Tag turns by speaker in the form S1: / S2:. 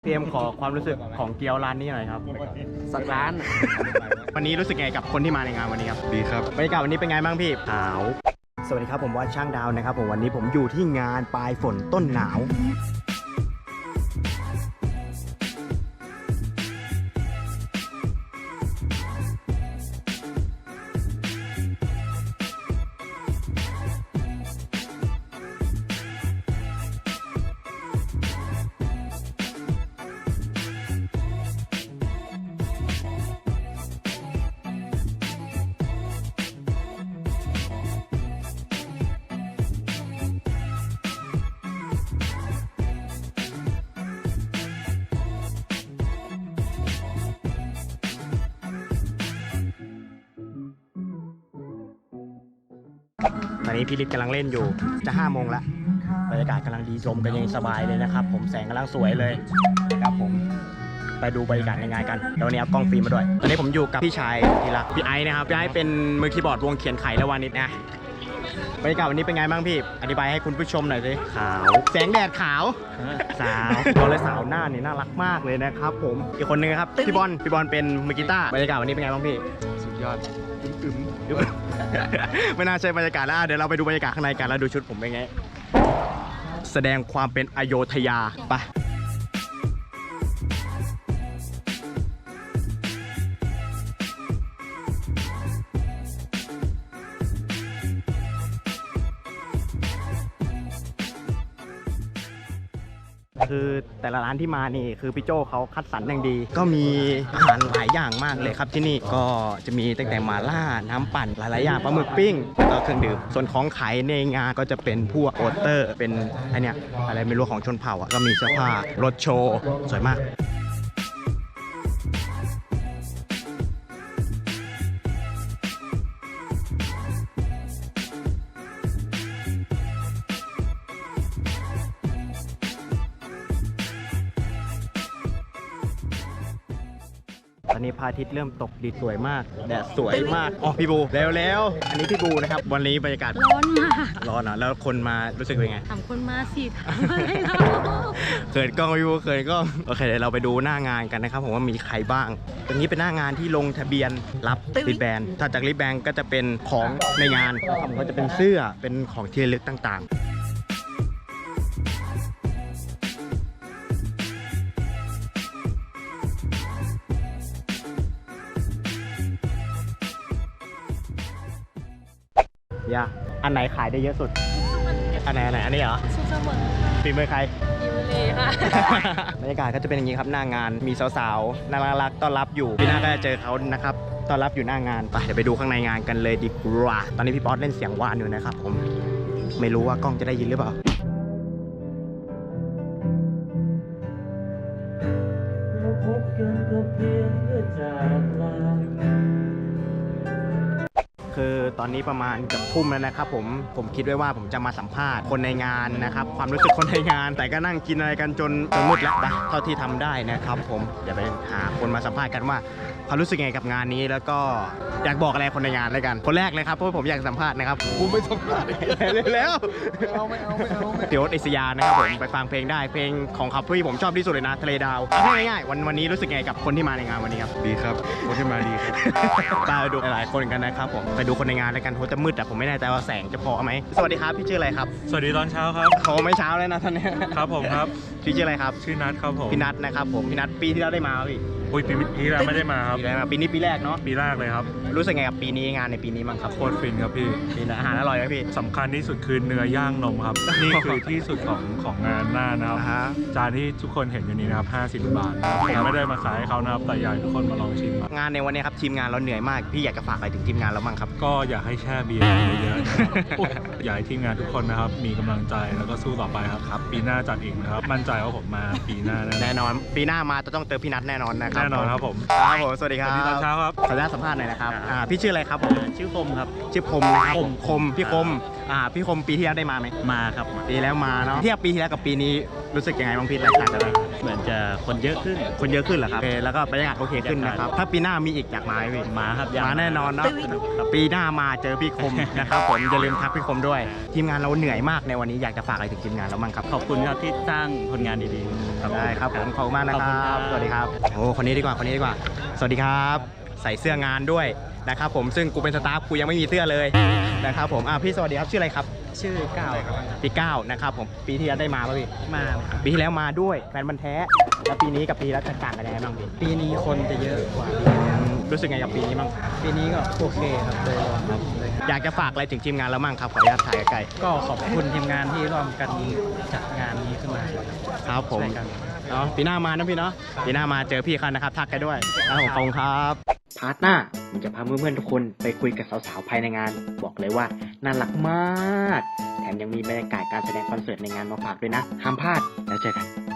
S1: เตรียมขอความรู้สึกของเกี๊ยวร้านนี้หน่อยครับ
S2: สักร้าน
S1: วันนี้รู้สึกไงกับคนที่มาในงานวันนี้ครับ
S3: ดีครับ
S1: บรรยากาศวันนี้เป็นไงบ้างพี่ขาวสวัสดีครับผมว่าช่างดาวนะครับผมวันนี้ผมอยู่ที่งานปลายฝนต้นหนาวตอนนี้พี่ฤทธิ์กำลังเล่นอยู่จะ5 โมงแล้วบรรยากาศกำลังดีลมกันยังสบายเลยนะครับผมแสงกำลังสวยเลยครับผมไปดูบรรยากาศในงานกันเดี๋ยววันนี้เอากล้องฟิล์มมาด้วยตอนนี้ผมอยู่กับพี่ชายที่รักพี่ไอซ์นะครับพี่ไอซ์เป็นมือคีย์บอร์ดวงเขียนไขและวานิชนะบรรยากาศวันนี้เป็นไงบ้างพี่อธิบายให้คุณผู้ชมหน่อยสิขาวแสงแดดขาวสาวบอกเลยสาวหน้านี่น่ารักมากเลยนะครับผมอีกคนนึงครับพี่บอลเป็นมือกีตาร์บรรยากาศวันนี้เป็นไงบ้างพี่สุดยอดอึมไม่น่าใช่บรรยากาศแล้วเดี๋ยวเราไปดูบรรยากาศข้างในกันแล้วดูชุดผมเป็นไงแสดงความเป็นอโยธยาไปคือแต่ละร้านที่มานี่คือพี่โจเขาคัดสรรอย่างดีก็มีอาหารหลายอย่างมากเลยครับที่นี่ก็จะมีตั้งแต่หม่าล่าน้ำปั่นหลายๆอย่างปลาหมึกปิ้งแล้วก็เครื่องดื่มส่วนของขายในงานก็จะเป็นพวกโปสเตอร์เป็นไอเนี้ยอะไรไม่รู้ของชนเผ่าอ่ะก็มีเสื้อผ้ารถโชว์สวยมากตอนนี้พระอาทิตย์เริ่มตกดินสวยมากแดดสวยมากอ๋อพี่บูแล้วอันนี้พี่บูนะครับวันนี้บรรยากาศ
S4: ร้อนมาก
S1: ร้อนอ่ะแล้วคนมารู้สึกเป็นไง
S4: ถามคนมาสิถามอะไรเรา
S1: เขินกล้องพี่บูเขินกล้องโอเคเดี๋ยวเราไปดูหน้างานกันนะครับผมว่ามีใครบ้างตรงนี้เป็นหน้างานที่ลงทะเบียนรับริบแบนถ้าจากริบแบนก็จะเป็นของในงานนะครับก็จะเป็นเสื้อเป็นของที่ระลึกต่างๆอันไหนขายได้เยอะสุดอันไหนอันนี้เหรอ
S4: สุขเสมอ
S1: ฝีมือใคร
S4: ยูรีค่ะ
S1: บรรยากาศก็จะเป็นอย่างนี้ครับหน้างานมีสาวๆน่ารักต้อนรับอยู่พี่หน้าก็จะเจอเขานะครับต้อนรับอยู่หน้างานไปเดี๋ยวไปดูข้างในงานกันเลยดีกว่าตอนนี้พี่ป๊อตเล่นเสียงหวานอยู่นะครับผมไม่รู้ว่ากล้องจะได้ยินหรือเปล่าพบกันก็เพียงเพื่อจากลาคือตอนนี้ประมาณเกือบทุ่มแล้วนะครับผมคิดไว้ว่าผมจะมาสัมภาษณ์คนในงานนะครับความรู้สึกคนในงานแต่ก็นั่งกินอะไรกันจนมืดแล้วนะเท่าที่ทำได้นะครับผมเดี๋ยวไปหาคนมาสัมภาษณ์กันว่าเขารู้สึกไงกับงานนี้แล้วก็อยากบอกอะไรคนในงานเลยกันคนแรกเลยครับเพราะผมอยากสัมภาษณ์นะครับผมไม่สัมภาษณ์แล้วไม่เอาเดี๋ยวอิสยานะครับผมไปฟังเพลงได้เพลงของเขาที่ผมชอบที่สุดเลยนะทะเลดาวง่ายๆวันนี้รู้สึกไงกับคนที่มาในงานวันนี้ครับ
S3: ดีครับคนที่มาดีครับ
S1: ตาดูหลายคนกันนะครับผมไปดูคนในงานแล้วกันโหจะมืดแต่ผมไม่แน่ใจว่าแสงจะพอไหมสวัสดีครับพี่ชื่ออะไรครับ
S5: สวัสดีตอนเช้าครับ
S1: เขาไม่เช้าเลยนะท่านนี้
S5: ครับผมครับ
S1: พี่ชื่ออะไรครับ
S5: ชื่อนัทครับผม
S1: พี่นัทนะครับผมพี่นัทปีที่แล้วได้มาพี่
S5: อุ้ยปีที่แล้วไม่ได้มาครับ
S1: ปีนี้ปีแรกเนาะ
S5: ปีแรกเลยครับ
S1: รู้สึกไงกับปีนี้งานในปีนี้มั้งครับ
S5: โคตรฟินครับพี่
S1: ปีอาหารอร่อยไหมพี่
S5: สำคัญที่สุดคือเนื้อย่างนมครับ นี่คือที่สุดของงานหน้านะครับจานที่ทุกคนเห็นอยู่นี้นะครับ50 บาทผมไม่ได้มาขายให้เขานะครับแต่อยากให้ทุกคนมาลองชิม
S1: งานในวันนี้ครับทีมงานเราเหนื่อยมากพี่อยากจะฝากอะไรถึงทีมงานเราบ้างครับ
S5: ก็อยากให้แช่เบียร์เยอะๆอยากให้ทีมงานทุกคนนะครับมีกำลังใจแล้วก็สู้ต่อไปครับปีหน้าจัดอีกนะครับมั่นใจว่าผมมาปีหน้า
S1: แน่นอนปีหน้ามาจะต้องเจอพี่นัทแน่นอนนะครับ
S5: แน่นอนครับผม
S1: สวัสดีครับ
S5: สวัสดีตอนเช้าครับ
S1: ขออนุญาตสัมภาษณ์หน่อยนะครับพี่ชื่ออะไรครับผม
S2: ชื่อคมครับ
S1: ชื่อคมนะครับคมพี่คมพี่คมปีที่แล้วได้มาไหม
S2: มาครับ
S1: ปีแล้วมาเนาะเทียบปีที่แล้วกับปีนี้รู้สึกยังไงบ้างพี่แตกต่างกันไหม
S2: เหมือนจะคนเยอะขึ้น
S1: คนเยอะขึ้นเหรอครับโอเคแล้วก็บรรยากาศโอเคขึ้นนะครับ ถ้าปีหน้ามีอีกอยากมาไหมพี่
S2: มาครับอยาก
S1: มาแน่นอนเนาะ
S2: ครับ
S1: ปีหน้ามาเจอพี่คม นะครับผมอย่าลืมทักพี่คมด้วย ทีมงานเราเหนื่อยมากในวันนี้อยากจะฝากอะไรถึงทีมงานเราบ้างครับ
S2: ขอบคุณครับที่สร้างผลงานดีๆครับ
S1: ได้ครับผมขอบคุณมากนะ
S2: ขอบ
S1: ค
S2: คุณค
S1: รั
S2: รั
S1: บบ สวัสดีครับโอ้คนนี้ดีกว่าคนนี้ดีกว่า สวัสดีครับ ใส่เสื้องานด้วยนะครับผมซึ่งกูเป็นสตาฟกูยังไม่มีเสื้อเลยนะครับผมพี่สวัสดีครับชื่ออะไรครับ
S2: ชื่อก้าวครับ
S1: พี่ก้าวนะครับผมปีที่แล้วได้มาป่ะพี่
S2: มา
S1: ปีที่แล้วมาด้วยแฟนมันธุ์แท้แล้วปีนี้กับปีแล้วแตกต่างกันยังไงบ้างพี่
S2: ปีนี้คนจะเยอะกว่า
S1: รู้สึกไงกับปีนี้บ้าง
S2: ปีนี้ก็โอเคครับโดยรวมครับ
S1: อยากจะฝากอะไรถึงทีมงานเราบ้างครับขออนุญาตถ่ายใกล้
S2: ก็ขอบคุณทีมงานที่ร่วมกันจัดงานนี้ขึ้นมา
S1: ๆครับผม
S2: ช่วยกัน
S1: เนาะปีหน้ามานะพี่เนาะปีหน้ามาเจอพี่เขานะครับทักกันด้วยครับผมขอบคุณครับพาร์ทหน้าผมจะพาเพื่อนๆทุกคนไปคุยกับสาวๆภายในงาน บอกเลยว่าน่ารักมากแถมยังมีบรรยากาศการแสดงคอนเสิร์ตในงานมาฝากด้วยนะห้ามพลาดแล้วเจอกัน